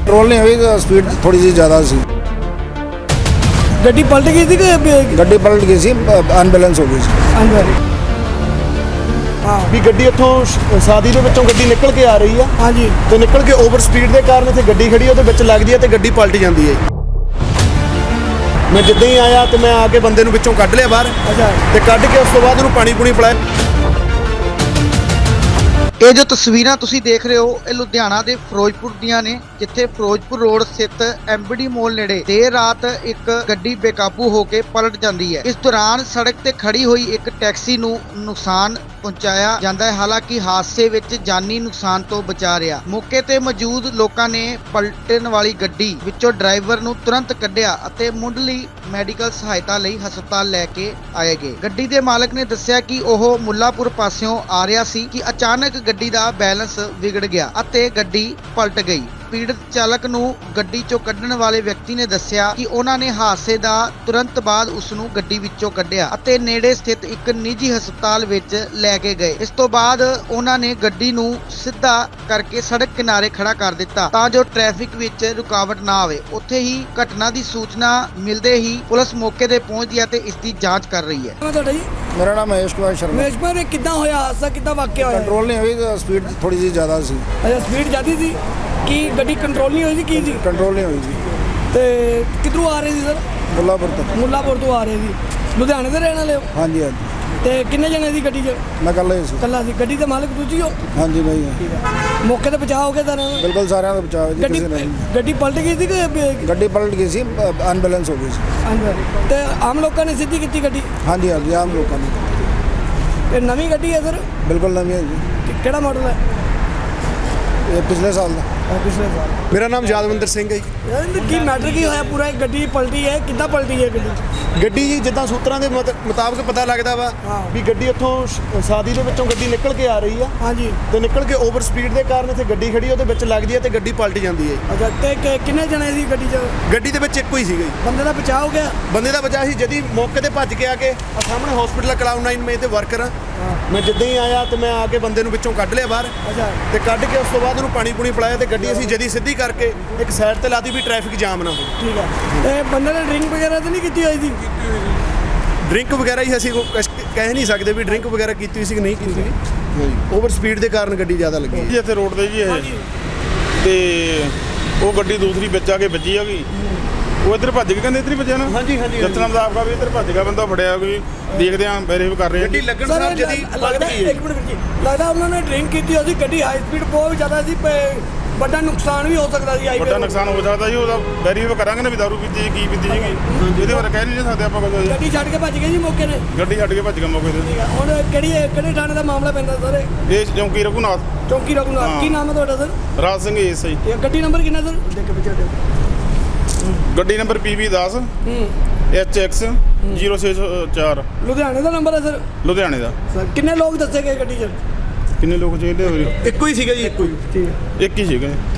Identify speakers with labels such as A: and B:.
A: Control नहीं हुई, speed थोड़ी सी ज़्यादा सी।
B: ਗੱਡੀ ਪਲਟ ਗਈ ਸੀ ਕਿ
A: गड्डी पलट गई सी, अनबैलेंस हो गई सी।
B: ਅੰਦਰ ਹਾਂ
C: ਵੀ ਗੱਡੀ ਇੱਥੋਂ ਸਾਦੀ ਦੇ ਵਿੱਚੋਂ ਗੱਡੀ ਨਿਕਲ ਕੇ ਆ ਰਹੀ ਆ
B: ਹਾਂਜੀ
C: ਤੇ ਨਿਕਲ ਕੇ ਓਵਰ ਸਪੀਡ ਦੇ ਕਾਰਨ ਇੱਥੇ ਗੱਡੀ ਖੜੀ ਉਹਦੇ ਵਿੱਚ ਲੱਗਦੀ ਹੈ ਤੇ ਗੱਡੀ ਪਲਟ ਜਾਂਦੀ ਹੈ। ਮੈਂ ਜਿੱਦਾਂ ਹੀ ਆਇਆ ਤੇ ਮੈਂ ਆ ਕੇ ਬੰਦੇ ਨੂੰ ਵਿੱਚੋਂ ਕੱਢ ਲਿਆ ਬਾਹਰ
B: ਅੱਛਾ
C: ਤੇ ਕੱਢ ਕੇ ਉਸ ਤੋਂ ਬਾਅਦ ਉਹਨੂੰ ਪਾਣੀ ਪੂਣੀ ਪਿਲਾਇਆ।
D: ਇਹ ਜੋ ਤਸਵੀਰਾਂ ਤੁਸੀਂ ਦੇਖ ਰਹੇ ਹੋ ਇਹ ਲੁਧਿਆਣਾ ਦੇ ਫਿਰੋਜ਼ਪੁਰ ਦੀਆਂ ਨੇ, ਜਿੱਥੇ ਫਿਰੋਜ਼ਪੁਰ ਰੋਡ ਸਥਿਤ ਐਮਬੀਡੀ ਮੋਲ ਨੇੜੇ ਦੇਰ ਰਾਤ ਇੱਕ ਗੱਡੀ ਬੇਕਾਬੂ ਹੋ ਕੇ ਪਲਟ ਜਾਂਦੀ ਹੈ। ਇਸ ਦੌਰਾਨ ਸੜਕ ਤੇ ਖੜੀ ਹੋਈ ਇੱਕ ਟੈਕਸੀ ਨੂੰ ਨੁਕਸਾਨ ਪਹੁੰਚਾਇਆ ਜਾਂਦਾ ਹੈ। ਹਾਲਾਂਕਿ ਹਾਦਸੇ ਵਿੱਚ ਜਾਨੀ ਨੁਕਸਾਨ ਤੋਂ ਬਚਾ ਰਿਹਾ। ਮੌਕੇ ਤੇ ਮੌਜੂਦ ਲੋਕਾਂ ਨੇ ਪਲਟਣ ਵਾਲੀ ਗੱਡੀ ਵਿੱਚੋਂ ਡਰਾਈਵਰ ਨੂੰ ਤੁਰੰਤ ਕੱਢਿਆ ਅਤੇ ਮੁੱਢਲੀ ਮੈਡੀਕਲ ਸਹਾਇਤਾ ਲਈ ਹਸਪਤਾਲ ਲੈ ਕੇ ਆਏ ਗਏ। ਗੱਡੀ ਦੇ ਮਾਲਕ ਨੇ ਦੱਸਿਆ ਕਿ ਉਹ ਮੁੱਲਾਪੁਰ ਪਾਸਿਓਂ ਆ ਰਿਹਾ ਸੀ ਕਿ ਅਚਾਨਕ ਗੱਡੀ ਦਾ ਬੈਲੈਂਸ ਵਿਗੜ ਗਿਆ ਅਤੇ ਗੱਡੀ ਪਲਟ ਗਈ। ਪੀੜਤ ਚਾਲਕ ਨੂੰ ਗੱਡੀ ਚੋਂ ਕੱਢਣ ਵਾਲੇ ਵਿਅਕਤੀ ਨੇ ਦੱਸਿਆ ਕਿ ਉਹਨਾਂ ਨੇ ਹਾਦਸੇ ਦਾ ਤੁਰੰਤ ਬਾਅਦ ਉਸ ਨੂੰ ਗੱਡੀ ਵਿੱਚੋਂ ਕੱਢਿਆ ਅਤੇ ਨੇੜੇ ਸਥਿਤ ਇੱਕ ਨਿੱਜੀ ਹਸਪਤਾਲ ਵਿੱਚ ਲੈ ਕੇ ਗਏ। ਇਸ ਤੋਂ ਬਾਅਦ ਉਹਨਾਂ ਨੇ ਗੱਡੀ ਨੂੰ ਸਿੱਧਾ ਕਰਕੇ ਸੜਕ ਕਿਨਾਰੇ ਖੜਾ ਕਰ ਦਿੱਤਾ ਤਾਂ ਜੋ ਟ੍ਰੈਫਿਕ ਵਿੱਚ ਰੁਕਾਵਟ ਨਾ ਆਵੇ। ਉੱਥੇ ਹੀ ਘਟਨਾ ਦੀ ਸੂਚਨਾ ਮਿਲਦੇ ਹੀ ਪੁਲਿਸ ਮੌਕੇ ਤੇ ਪਹੁੰਚੀ ਅਤੇ ਇਸ ਦੀ ਜਾਂਚ ਕਰ ਰਹੀ ਹੈ।
B: ਮੈਂ ਤੁਹਾਡਾ ਜੀ
A: मेरा नाम महेश कुमार शर्मा।
B: ਮੇਸ਼ ਪਰ ਇਹ ਕਿੱਦਾਂ ਹੋਇਆ ਹਾਦਸਾ, ਕਿੱਦਾਂ ਵਾਕਿਆ ਹੋਇਆ?
A: कंट्रोल नहीं हुई, स्पीड थोड़ी सी ज़्यादा सी।
B: ਅੱਛਾ ਸਪੀਡ ਜ਼ਿਆਦੀ ਸੀ ਕਿ ਗੱਡੀ ਕੰਟਰੋਲ ਨਹੀਂ ਹੋਈ ਸੀ ਕੀ ਸੀ?
A: कंट्रोल नहीं हुई जी।
B: ਤੇ ਕਿੱਧਰੋਂ ਆ ਰਹੇ ਸੀ ਸਰ?
A: मुल्लापुर तक।
B: ਮੁੱਲਾਪੁਰ ਤੋਂ ਆ ਰਹੇ ਸੀ। ਲੁਧਿਆਣੇ ਦੇ ਰਹਿਣ ਵਾਲੇ ਹੋ?
A: हाँ जी, हाँ जी।
B: ਤੇ ਕਿੰਨੇ ਜਣੇ ਸੀ ਗੱਡੀ 'ਚ?
A: मैं कल ही सी।
B: ਕੱਲਾ ਸੀ। ਗੱਡੀ ਦੇ ਮਾਲਕ ਤੁਸੀਂ ਹੋ?
A: हाँ जी भाई, हाँ।
B: ਠੀਕ ਹੈ। ਮੌਕੇ ਤੇ ਬਚਾਅ ਹੋ ਗਿਆ ਸਾਰਿਆਂ ਦਾ?
A: बिल्कुल सारे का बचाव है जी,
B: ਗੱਡੀ
A: किसी ने नहीं।
B: ਗੱਡੀ ਪਲਟ ਗਈ ਸੀ ਕਿ
A: गड्डी पलट गई सी, अनबैलेंस हो गई सी।
B: ਅੰਦਰ ਤੇ ਆਮ ਲੋਕਾਂ ਨੇ ਸਿੱਧੀ ਕੀਤੀ ਗੱਡੀ?
A: हाँ जी, हाँ जी, आम लोगों ने।
B: ਇਹ ਨਵੀਂ ਗੱਡੀ ਹੈ ਸਰ?
A: बिल्कुल नवी है जी,
B: ਕਿਹੜਾ ਮਾਡਲ ਹੈ?
A: ये पिछले साल का।
B: ਪਿਛਲੇ ਸਾਲ।
C: ਮੇਰਾ ਨਾਮ ਯਾਦਵਿੰਦਰ ਸਿੰਘ ਹੈ ਜੀ।
B: ਯਾਰ ਇਹਦਾ ਕੀ ਮੈਟਰ ਕੀ ਹੋਇਆ ਪੂਰਾ? ਇਹ ਗੱਡੀ ਪਲਟੀ ਹੈ, ਕਿੱਦਾਂ ਪਲਟੀ ਹੈ ਗੱਡੀ?
C: ਗੱਡੀ ਜੀ ਜਿੱਦਾਂ ਸੂਤਰਾਂ ਦੇ ਮੁਤਾਬਕ ਪਤਾ ਲੱਗਦਾ ਵਾ
B: ਹਾਂ।
C: ਵੀ ਗੱਡੀ ਇੱਥੋਂ ਸਾਦੀ ਦੇ ਵਿੱਚੋਂ ਗੱਡੀ ਨਿਕਲ ਕੇ ਆ ਰਹੀ ਆ
B: ਹਾਂਜੀ
C: ਤੇ ਨਿਕਲ ਕੇ ਓਵਰ ਸਪੀਡ ਦੇ ਕਾਰਨ ਇੱਥੇ ਗੱਡੀ ਖੜੀ ਉਹਦੇ ਵਿੱਚ ਲੱਗਦੀ ਹੈ ਤੇ ਗੱਡੀ ਪਲਟ ਜਾਂਦੀ ਹੈ।
B: ਅੱਛਾ ਤੇ ਕਿੰਨੇ ਜਣੇ ਸੀ ਗੱਡੀ 'ਚ?
C: ਗੱਡੀ ਦੇ ਵਿੱਚ ਇੱਕੋ ਹੀ ਸੀਗਾ ਜੀ।
B: ਬੰਦੇ ਦਾ ਬਚਾਅ ਹੋ ਗਿਆ?
C: ਬੰਦੇ ਦਾ ਬਚਾਅ ਸੀ। ਜਦੀ ਮੌਕੇ ਤੇ ਭੱਜ ਕੇ ਆ ਕੇ ਸਾਹਮਣੇ ਹਸਪੀਟਲ ਕਲਾਉਡ 9 ਮੈਂ ਤੇ ਵਰਕਰ ਆ। ਮੈਂ ਜਿੱਦਾਂ ਹੀ ਆਇਆ ਤੇ ਮੈਂ ਆ ਕੇ ਬੰਦੇ ਨੂੰ ਵਿੱਚੋਂ ਕੱਢ ਲਿਆ ਬਾਹਰ
B: ਅੱਛਾ
C: ਤੇ ਕੱਢ ਕੇ ਉਸ ਤੋਂ ਬਾਅਦ ਉਹਨੂੰ ਪਾਣੀ ਪੂਣੀ ਪਿਲਾਇਆ ਤੇ ਗੱਡੀ ਅਸੀਂ ਜਦੀ ਸਿੱਧੀ ਕਰਕੇ ਇੱਕ ਸਾਈਡ ਤੇ ਲਾਤੀ ਵੀ ਟ੍ਰੈਫਿਕ ਜਾਮ ਨਾ ਹੋਵੇ।
B: ਠੀਕ ਹੈ। ਤੇ ਬੰਦੇ ਨੇ ਡਰਿੰਕ ਵਗੈਰਾ ਤਾਂ ਨਹੀਂ ਕੀਤੀ ਹੋਈ ਸੀ?
C: ਡਰਿੰਕ ਵਗੈਰਾ ਹੀ ਅਸੀਂ ਕਹਿ ਨਹੀਂ ਸਕਦੇ ਵੀ ਡਰਿੰਕ ਵਗੈਰਾ ਕੀਤੀ ਹੋਈ ਸੀ ਕਿ ਨਹੀਂ ਕੀਤੀ ਹੋਈ। ਓਵਰ ਸਪੀਡ ਦੇ ਕਾਰਨ ਗੱਡੀ ਜ਼ਿਆਦਾ ਲੱਗੀ ਹੈ।
E: ਜੀ ਇੱਥੇ ਰੋਡ ਤੇ ਜੀ ਇਹ ਤੇ ਉਹ ਗੱਡੀ ਦੂਸਰੀ ਵਿੱਚ ਆ ਕੇ ਵੱਜੀ ਹੈਗੀ। ਉਹ ਇੱਧਰ ਭੱਜ ਕੇ ਕਹਿੰਦੇ ਇੱਧਰ ਹੀ ਵੱਜਿਆ ਨਾ।
C: ਹਾਂਜੀ ਹਾਂਜੀ
E: ਜਤਨਾ ਦਾ ਆਪਕਾ ਵੀ ਇੱਧਰ ਭੱਜ ਗਿਆ ਬੰਦਾ ਫੜਿਆ ਕੋਈ ਦੇਖਦੇ ਆਂ ਵੈਰੀਫਾਈ ਕਰ ਰਹੇ
C: ਗੱਡੀ
E: ਹਾਂ।
C: ਲੱਗਣ
B: ਸਰ
C: ਸਾਰ ਜਦੀ ਪਲਟ
B: ਲੱਗਦਾ
C: ਗਈ ਹੈ।
B: ਇੱਕ ਮਿੰਟ ਵੀਰ ਜੀ, ਲੱਗਦਾ ਉਹਨਾਂ ਨੇ ਡਰਿੰਕ ਕੀਤੀ ਹੋਈ ਸੀ। ਗੱਡੀ ਹਾਈ ਸਪੀਡ ਬਹੁਤ ਜ਼ਿਆਦਾ ਸੀ, ਵੱਡਾ ਨੁਕਸਾਨ ਵੀ ਹੋ ਸਕਦਾ ਸੀ।
E: ਵੱਡਾ ਨੁਕਸਾਨ ਹੋ ਸਕਦਾ ਜੀ, ਉਹਦਾ ਵੈਰੀਫਾਈ ਕਰਾਂਗੇ ਨਾ ਵੀ ਦਾਰੂ ਪੀਤੀ ਸੀ, ਕੀ ਪੀਤੀ ਸੀਗੀ। ਇਹਦੇ ਬਾਰੇ ਕਹਿ ਨਹੀਂ ਸਕਦੇ ਆਪਾਂ ਕੁਝ।
B: ਗੱਡੀ ਛੱਡ ਕੇ ਭੱਜ ਗਏ ਜੀ ਮੌਕੇ ਨੇ?
E: ਗੱਡੀ ਛੱਡ ਕੇ ਭੱਜ ਗਿਆ ਮੌਕੇ ਤੇ।
B: ਠੀਕ ਹੈ। ਹੁਣ ਕਿਹੜੇ ਥਾਣੇ ਦਾ ਮਾਮਲਾ ਪੈਂਦਾ ਸਰ?
E: ਇਹ ਚੌਂਕੀ ਰਘੂਨਾਥ
B: ਚੌਂਕੀ ਰਘੂਨਾਥ।
E: ਹਾਂ।
B: ਕੀ ਨਾਮ ਹੈ ਤੁਹਾਡਾ ਸਰ?
E: ਰਾਜ ਸਿੰਘ ਏਸ ਆਈ।
B: ਇਹ ਗੱਡੀ ਨੰਬਰ ਕਿੰਨਾ ਸਰ? ਦੇਖ ਕੇ ਪਿੱਛੇ
E: ਗੱਡੀ ਨੰਬਰ PB 10 HX 064
B: ਲੁਧਿਆਣੇ ਦਾ ਨੰਬਰ ਹੈ ਸਰ?
E: ਲੁਧਿਆਣੇ ਦਾ।
B: ਸਰ ਕਿੰਨੇ ਲੋਕ ਦੱਸੇ ਗਏ ਗੱਡੀ 'ਚ?
E: ਕਿੰਨੇ ਲੋਕ ਚਾਹੀਦੇ ਹੋਏ?
C: ਇੱਕੋ ਹੀ ਸੀਗਾ ਜੀ, ਇੱਕੋ ਹੀ।
B: ਠੀਕ ਹੈ।
E: ਇੱਕ ਹੀ ਸੀਗਾ।